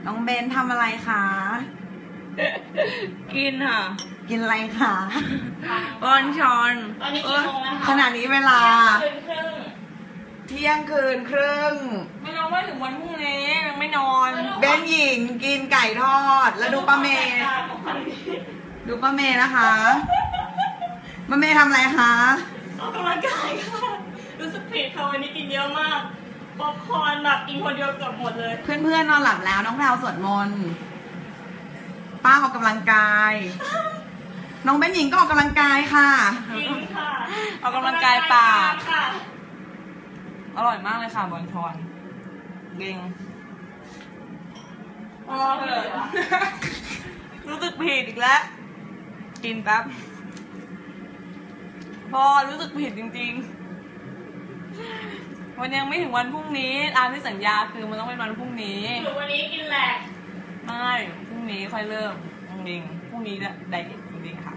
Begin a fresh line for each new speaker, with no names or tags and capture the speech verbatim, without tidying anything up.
น้องเบนทำอะไรคะ
กินค่ะ
กินอะไรคะ
บอนชอน
ตอนนี้กี่โมงแล้วคะ
ขณะนี้เวลา
เที่ยงคืนครึ่ง
เที่ยงคืนครึ่ง
ไม่นอนว่าถึงวันพรุ่งนี้ยังไม่นอน
เบนหญิงกินไก่ทอดแล้วดูป้าเมย์ดูป้าเมย์นะคะป้าเมย์ทำอะไรคะ
ออกกำลังกายค่ะรู้สึกผิดค่ะวันนี้กินเยอะมากป๊อปคอร์นแบบกินคนเดียวเกือบหมดเลย
เพื่อนๆนอนหลับแล้วน้องแพรวสวดมนต์ป้าออกกำลังกายน้องเบนหญิงก็ออกกำลังกายค่ะ
จริงค่ะ
ออกกำลังกายปากอร่อยมากเลยค่ะบอนชอนเก่ง
อ๋อเหรอ
รู้สึกผิดอีกแล้วกินแป๊บพอรู้สึกผิดจริงๆวันยังไม่ถึงวันพรุ่งนี้ตามที่สัญญาคือมันต้องเป็นวันพรุ่งนี้
หรือวันนี้กินแหลก
ไม่พรุ่งนี้ค่อยเริ่มจริงๆพรุ่งนี้ไดเอทจริงๆค่ะ